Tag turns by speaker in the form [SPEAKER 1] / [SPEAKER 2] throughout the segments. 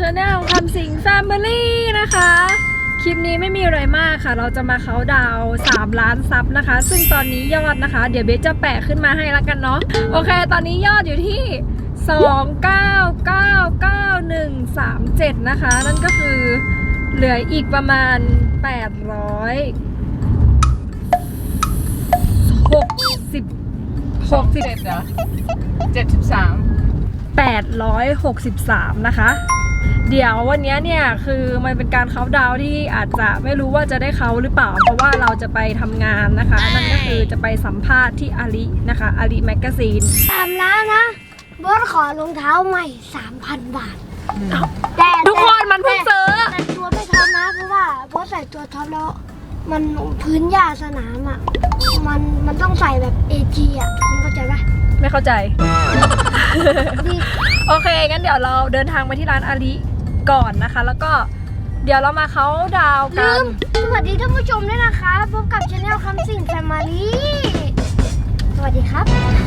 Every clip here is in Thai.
[SPEAKER 1] Channel คำสิง Family นะคะคลิปนี้ไม่มีอะไรมากค่ะเราจะมาเค้าดาว3 ล้านซับนะคะซึ่งตอนนี้ยอดนะคะเดี๋ยวเบสจะแปะขึ้นมาให้แล้วกันเนาะโอเคตอนนี้ยอดอยู่ที่2999137นะคะนั่นก็คือเหลืออีกประมาณ863นะคะเดี๋ยววันนี้เนี่ยคือมันเป็นการเค้าดาวที่อาจจะไม่รู้ว่าจะได้เค้าหรือเปล่าเพราะว่าเราจะไปทำงานนะคะนั่นก็คือจะไปสัมภาษณ์ที่อาลีนะคะอาลีแมกกาซีน
[SPEAKER 2] 3 ล้านนะบอสขอรองเท้าใหม่ 3,000 บาทแต่
[SPEAKER 1] ทุกคนมันเพิ่งซื้อ
[SPEAKER 2] แต่ตัวไม่ท็อปนะเพราะว่าบอสใส่ตัวท็อปแล้วมันพื้นหญ้าสนามอ่ะมันต้องใส่แบบ AG อ่ะคุณเข้าใจปะ
[SPEAKER 1] ไม่เข้าใจ โอเคงั้นเดี๋ยวเราเดินทางไปที่ร้านอาลีก่อนนะคะแล้วก็เดี๋ยวเรามาเค้าดาวกัน
[SPEAKER 2] สวัสดีท่านผู้ชมด้วยนะคะพบกับชาแนลคำสิง Family สวัสดีครับ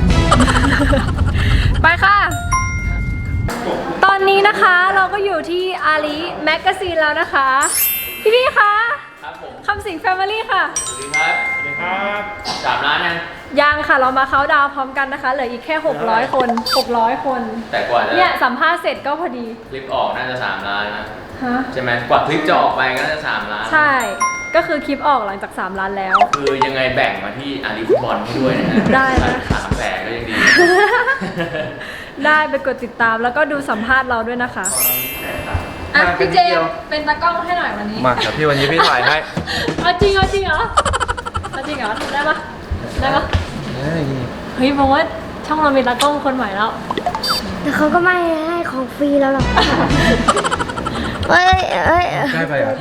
[SPEAKER 1] ไปค่ะตอนนี้นะคะเราก็อยู่ที่อาลีแมกกาซีนแล้วนะคะพี่คะคำสิง Family ค่ะ
[SPEAKER 3] สวัสดีครับสวัสดีครับ3 ล้าน
[SPEAKER 1] ยังค่ะเรามาเค้าดาวพร้อมกันนะคะเหลืออีกแค่600 คน
[SPEAKER 3] แต่กว่าจะ
[SPEAKER 1] เนี่ยสัมภาษณ์เสร็จก็พอดี
[SPEAKER 3] คลิปออกน่าจะ3 ล้านนะใช่ไหมกว่าคลิปจะออกไปก็น่าจะ3 ล้าน
[SPEAKER 1] ใช่ก็คือคลิปออกหลังจาก3 ล้านแล้ว
[SPEAKER 3] คือยังไงแบ่งมาที่อาลีฟุตบอลให้ด้วยนะ
[SPEAKER 1] ได้นะ
[SPEAKER 3] 3 แสนก็ยังดี
[SPEAKER 1] ได้ไปกดติดตามแล้วก็ดูสัมภาษณ์เราด้วยนะคะอ่ะพี่เจมเป็นตากล้องให้หน่อยวันนี้
[SPEAKER 3] มาแต่พี่วันนี้พี่ถ่ายให้
[SPEAKER 1] จริงเหรอได้ปะเฮ้ยบอกว่าช่องเรามีตากล้องคนใหม่แล้ว
[SPEAKER 2] แต่เขาก็ไม่ให้ของฟรีแล้วหรอก
[SPEAKER 3] ได้ไปอ่ะ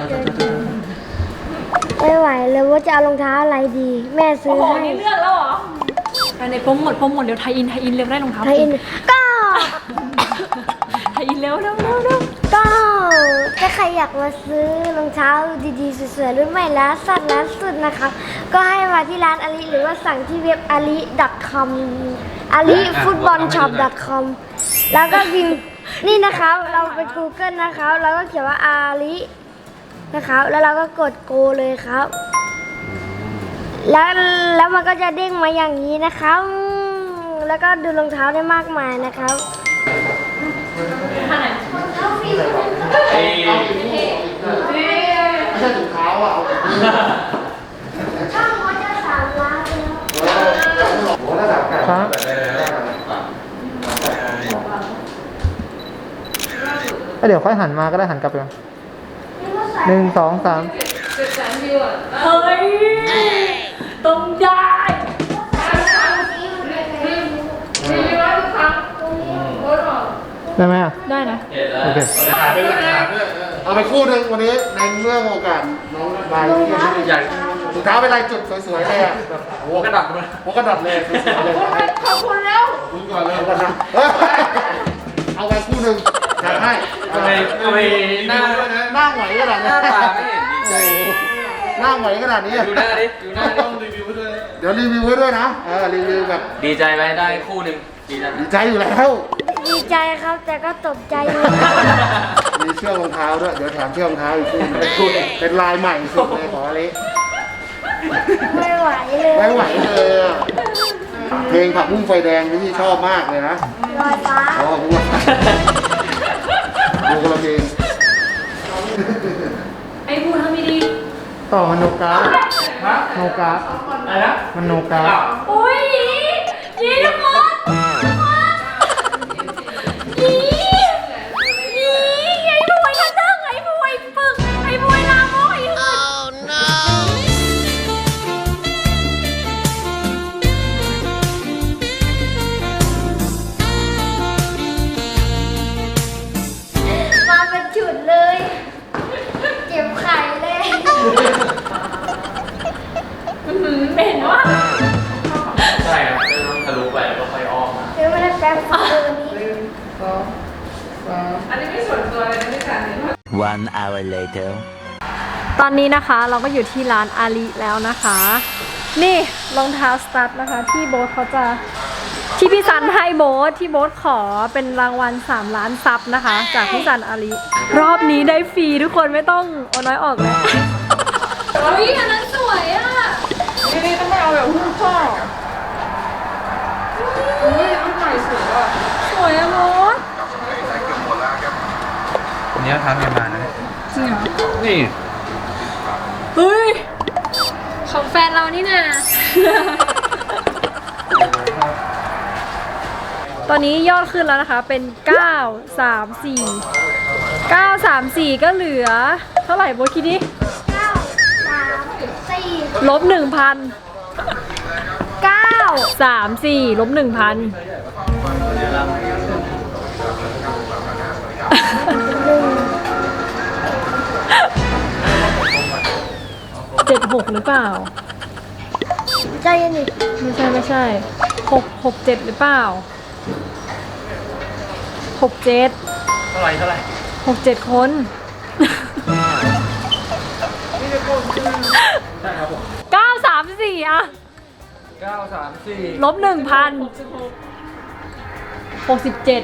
[SPEAKER 2] ไม่ไหวเลยว่าจะเอารองเท้าอะไรดีแม่ซื้อให้
[SPEAKER 1] นี่เลือกแล้วเหรอในโปรโมทเดี๋ยวไทยอินเร็วได้รองเท้า
[SPEAKER 2] ไทยอินก็
[SPEAKER 1] ไทยอินเร็ว
[SPEAKER 2] ก็ถ้าใครอยากมาซื้อรองเท้าดีๆสวยๆรุ่นใหม่ร้านสุดนะคะก็ให้มาที่ร้านอาลีหรือว่าสั่งที่เว็บali.com alifootballshop.com แล้วก็พิมพ์นี่นะคะเราไป Google นะคะแล้วก็เขียนว่าอาลีนะครับแล้วเราก็กดโกเลยครับแล้วมันก็จะเด้งมาอย่างนี้นะครับแล้วก็ดูรองเท้าได้มากมายนะครับรองเท้าฟรีไม่ใช่ถุงเท้าอ่ะช่างเขาจะ3 ล้าน
[SPEAKER 4] ครับเดี๋ยวค่อยหันมาก็ได้หันกลับไป1 2 3
[SPEAKER 1] เฮ้ยต้องได้
[SPEAKER 4] ได้ไหมอ่ะ
[SPEAKER 1] ได้นะ
[SPEAKER 4] โอเค
[SPEAKER 5] เอาไปคู่หนึ่งวันนี้ในเรื่องโอกาสน้องใบใหญ่ถุงเท้าเป็นลายจุดสวยๆเลยอ่ะแบบหัวกระดับเลยสวยๆเลย
[SPEAKER 1] ขอบคุณแล้ว
[SPEAKER 5] คุณก่อนเลยเอาไปคู่หนึ่งจัดให้
[SPEAKER 3] ทำไมหน้า
[SPEAKER 5] ไหวขนาดนี้
[SPEAKER 3] หน้าตาไม่เห็นดีใจ
[SPEAKER 5] หน้าไหวขนาดนี้
[SPEAKER 3] ดูหน้าต้องรีวิวด้วย
[SPEAKER 5] เดี๋ยวรีวิวให้ด้วยนะรีวิวแบบ
[SPEAKER 3] ดีใจไหมได้คู่หนึ่ง
[SPEAKER 5] ดีใจอยู่แล้ว
[SPEAKER 2] ดีใจครับแต่ก็ตกใจอยู่
[SPEAKER 5] มีเชือกรองเท้าด้วยเดี๋ยวแถมเชือกรองเท้าอีกคู่เป็นลายใหม่สุดเลยขออะไร
[SPEAKER 2] ไม่ไหว
[SPEAKER 5] เลยเพลงผักบุ้งไฟแดงที่ชอบมากเลยนะ
[SPEAKER 2] ลอยฟ้า
[SPEAKER 5] ดูคนละเพลง
[SPEAKER 1] ไอ้พูดทำไม่ดี
[SPEAKER 4] ต่อมันโนกา
[SPEAKER 3] อะไรนะ
[SPEAKER 4] มันโนกา
[SPEAKER 1] โอ้ยยีทุกคนไอ้บวยทันเทิงไอ้บวยปึกไอ้บวยลามกไอ้หืด
[SPEAKER 2] มาเป็นจุดเลยเก็บไข่เลย
[SPEAKER 1] เหม็นว่ะ
[SPEAKER 3] ใช่ครับต้องทะลุไปแล้วก็ค่อยอ้อม
[SPEAKER 2] เดี๋ยวไม่ได้แป๊บตัวนี้
[SPEAKER 1] อันนี้ไม่ส่วนตัวเลยนะพี่การ
[SPEAKER 6] 1 hour later
[SPEAKER 1] ตอนนี้นะคะเราก็อยู่ที่ร้านอาลีแล้วนะคะนี่รองเท้าสตั๊ดนะคะที่โบ๊ทเขาจะที่พี่ซันให้โบ๊ทที่โบ๊ทขอเป็นรางวัล3 ล้านซับนะคะ จากพี่ซันอาลีรอบนี้ได้ฟรีทุกคนไม่ต้องเอาน้อยออกแล้วเฮ้ยอันนั้นสวยอ่ะนี่ต้องไปเอาแบบหุ้มข้อเฮ้ยอันใหม่สวยอ่ะสวยอะโบ๊ท
[SPEAKER 3] อันนี้ทำยังไงนะ
[SPEAKER 1] จริงเหรอ
[SPEAKER 3] นี่
[SPEAKER 1] เฮ้ยของแฟนเรานี่นะตอนนี้ยอดขึ้นแล้วนะคะเป็น 934 ก็เหลือเท่าไหร่โบทคิดดิ
[SPEAKER 2] 9 3 4
[SPEAKER 1] ลบ 1,000
[SPEAKER 2] 9
[SPEAKER 1] 34ลบ 1,000 76หรือเปล่า
[SPEAKER 2] ใจเย็นดิ
[SPEAKER 1] ไม่ใช่67หรือเปล่า67
[SPEAKER 3] เท่าไหร่
[SPEAKER 1] 67 คน 934อะ
[SPEAKER 3] 934
[SPEAKER 1] ลบ 1,000 67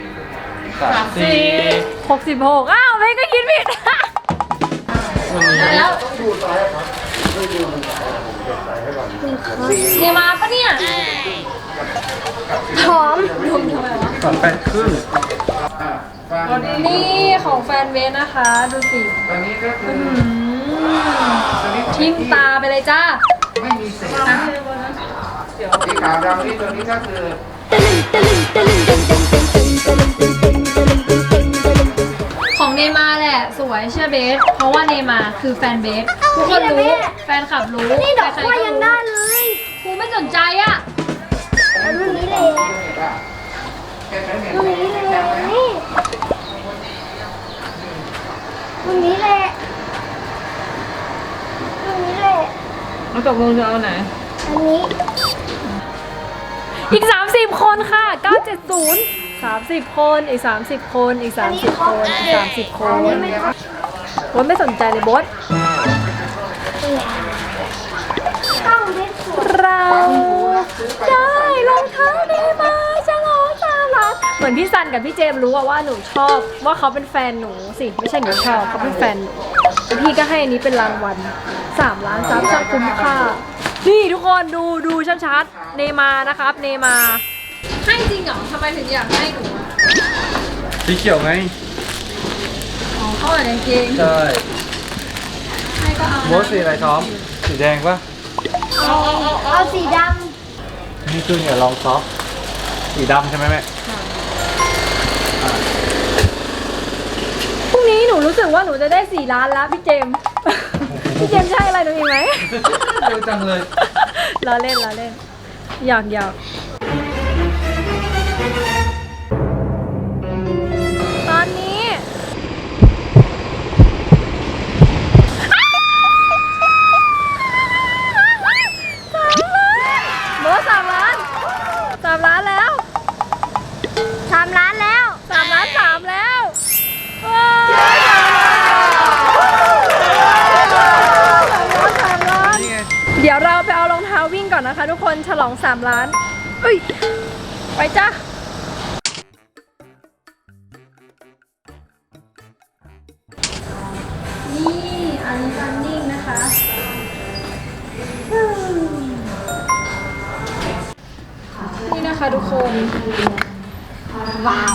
[SPEAKER 3] 34
[SPEAKER 1] 66อ้าวไม่ก็คิดผิดแล้วเนี่ยมาปะเนี่ย
[SPEAKER 2] หอม
[SPEAKER 3] 8 ครึ่ง
[SPEAKER 1] นี่ของแฟนเวสนะคะ ดูสิ
[SPEAKER 5] ตอนนี้ก็คือ
[SPEAKER 1] ทิ้งตาไปเลยจ้า
[SPEAKER 5] ไม่มีเศษนะสีขาวดำนี่ตัวนี้ก็คือ
[SPEAKER 1] ของเนมาแหละสวยเชื่อเบส เพราะว่าเนมาคือแฟนเบสทุกคนรู้แฟนคลับรู้
[SPEAKER 2] นี่ดอกกล้วยยังได้เลย
[SPEAKER 1] ครูไม่สนใจอะ
[SPEAKER 2] รุ่นนี้เลยรุ่นนี้เลยนี่รุ่นนี้เลยรุ่นนี้เลย
[SPEAKER 1] แล้วตกลงจะเอาไหน
[SPEAKER 2] อันนี้
[SPEAKER 1] อีก 30 คนค่ะ 970 30 คนอีก 30 คนอีก 30 คนอีก 30 คนโบ๊ทไม่สนใจเลยโบ๊ท
[SPEAKER 2] ต้องเล็กสวย
[SPEAKER 1] เราได้รองเท้าเนมาฉลอง3 ล้านเหมือนพี่ซันกับพี่เจมส์รู้ว่าหนูชอบว่าเขาเป็นแฟนหนูสิไม่ใช่หนูชอบเขาเป็นแฟนหนูแล้วพี่ก็ให้อันนี้เป็นรางวัล3 ล้านซับช่างคุ้มค่านี่ทุกคนดูชัดๆเนมานะครับเนมาให้จริงเหรอทำไมถึงอยากให้หนูอะ
[SPEAKER 3] สีเขียวไง
[SPEAKER 1] อ๋อเข้าอ่านกางเกง
[SPEAKER 3] ใช่
[SPEAKER 1] ให้ก็เอา
[SPEAKER 3] โบสสีอะไรท้อม สีแดงปะ
[SPEAKER 2] เอาสีด
[SPEAKER 3] นี่คือเนี่ยลองซอฟสีดำใช่ไหมแม่
[SPEAKER 1] พรุ่งนี้หนูรู้สึกว่าหนูจะได้4 ล้านแล้วพี่เจมส์ พี่เจมส์ใช่อะไรหนูอีกไหม
[SPEAKER 3] เร็วจังเลย
[SPEAKER 1] ล้อเล่นหยอกตอนนี้เบอร์3 ล้าน3 ล้านแล้ว
[SPEAKER 2] ำ3 ล้านแล้ว
[SPEAKER 1] 3 ล้าน 3 แล้วว้าว3 ล้าน
[SPEAKER 3] นี่ไง
[SPEAKER 1] เดี๋ยวเราไปเอารองเท้าวิ่งก่อนนะคะทุกคนฉลอง 3 ล้านเอ้ยไปจ้ะนี่อันนี้รันนิ่งนะคะนี่นะคะทุกคน ว้าว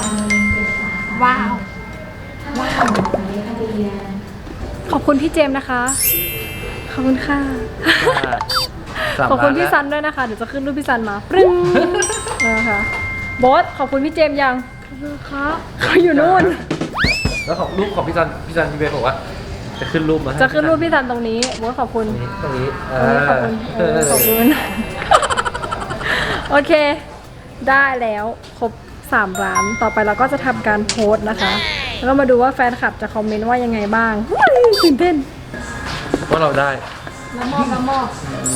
[SPEAKER 1] ขอบคุณพี่เจมส์นะคะ ขอบคุณค่ะ ขอบคุณพี่ซันด้วยนะคะ เดี๋ยวจะขึ้นรูปพี่ซันมาปรึ้งนะคะโบอสขอบคุณพี่เจมส์ยังครับเขาอยู่นู่น
[SPEAKER 3] แล้วของรูปของพี่ซันพี่เบสบอกว่า จะขึ้นรูปมาให้
[SPEAKER 1] จะขึ้นรูปพี่ซันตรงนี้โบอสขอบคุณ
[SPEAKER 3] ตรงนี้
[SPEAKER 1] ขอบคุณขอบคุณโอเค ได้แล้วครบ3 ล้านต่อไปเราก็จะทำการโพสต์นะคะ แล้วก็มาดูว่าแฟนคลับจะคอมเมนต์ว่ายังไงบ้างตื่นเต้น
[SPEAKER 3] ว่าเราได้
[SPEAKER 1] ละมอบ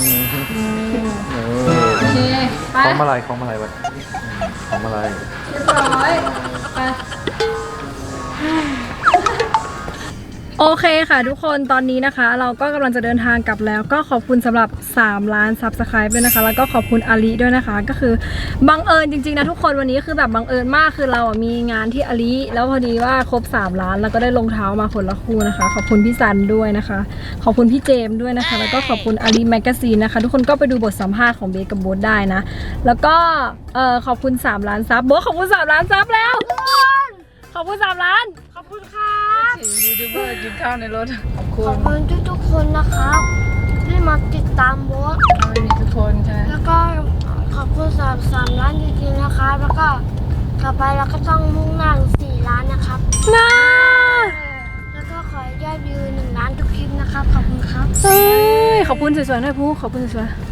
[SPEAKER 1] โอเคไป
[SPEAKER 3] ของมาลายวัดของมาลาย
[SPEAKER 1] เรียบร้อยไปโอเคค่ะทุกคนตอนนี้นะคะเราก็กำลังจะเดินทางกลับแล้วก็ขอบคุณสำหรับ3 ล้านซับสไครป์ด้วยนะคะแล้วก็ขอบคุณอาลีด้วยนะคะก็คือบังเอิญจริงๆนะทุกคนวันนี้คือแบบบังเอิญมากคือเรามีงานที่อาลีแล้วพอดีว่าครบ3 ล้านแล้วก็ได้รองเท้ามาคนละคู่นะคะขอบคุณพี่ซันด้วยนะคะขอบคุณพี่เจมส์ด้วยนะคะแล้วก็ขอบคุณอาลีแมกกาซีนนะคะทุกคนก็ไปดูบทสัมภาษณ์ของเบสกับโบ๊ทได้นะแล้วก็ขอบคุณ3 ล้านซับโบ๊ทขอบคุณ3 ล้านซับแล้วขอบคุณ3 ล้านขอบคุณค่ะยูทูบเบอร์กินข้าวในรถขอบคุณ
[SPEAKER 2] ขอบคุณทุกๆคนนะครับที่มาติดตามโบ๊ท
[SPEAKER 1] ไม่มีทุกคนใช่
[SPEAKER 2] แล้วก็ขอบคุณ3 ล้านจริงๆนะครับแล้วก็ต่อไปเราก็ต้องมุ่งหน้าถึง4 ล้านนะครับ
[SPEAKER 1] น่า
[SPEAKER 2] แล้วก็ขอยอดวิว1 ล้านทุกคลิปนะครับขอบคุณครับ
[SPEAKER 1] เฮ้ยขอบคุณสวยๆหน่อยพูขอบคุณสวยๆ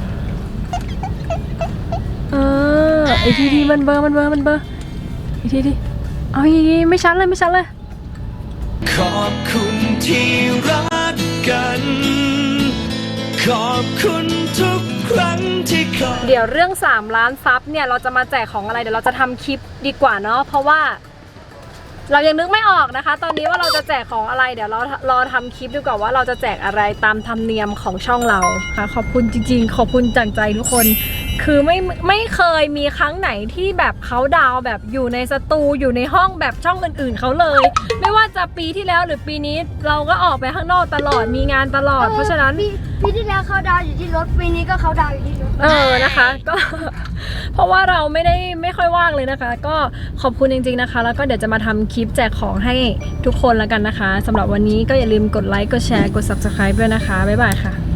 [SPEAKER 1] ไอทีมันเบอร์ไอทีเอาอีกไม่ชัดเลย
[SPEAKER 6] ขอบคุณที่รักกัน ขอบคุณทุกครั้งที่คอย
[SPEAKER 1] เดี๋ยวเรื่อง3 ล้านซับเนี่ยเราจะมาแจกของอะไรเดี๋ยวเราจะทำคลิปดีกว่าเนาะเพราะว่าเรายังนึกไม่ออกนะคะ ตอนนี้ว่าเราจะแจกของอะไรเดี๋ยวเรารอทำคลิปดีกว่าว่าเราจะแจกอะไรตามธรรมเนียมของช่องเราค่ะขอบคุณจริงๆขอบคุณจากใจทุกคนคือไม่เคยมีครั้งไหนที่แบบเขาดาวแบบอยู่ในสตูอยู่ในห้องแบบช่องอื่นๆเขาเลย ไม่ว่าจะปีที่แล้วหรือปีนี้เราก็ออกไปข้างนอกตลอดมีงานตลอดเพราะฉะนั้น
[SPEAKER 2] ปีที่แล้วเขาดาวอยู่ที่รถปีนี้ก็เขาดาวอยู่ที่รถ
[SPEAKER 1] นะคะก็ เพราะว่าเราไม่ค่อยว่างเลยนะคะ ก็ขอบคุณจริงๆนะคะ แล้วก็เดี๋ยวจะมาทำคลิปแจกของให้ทุกคนแล้วกันนะคะสำหรับวันนี้ก็อย่าลืมกดไลค์กดแชร์กด Subscribe ด้วยนะคะบ๊ายบายค่ะ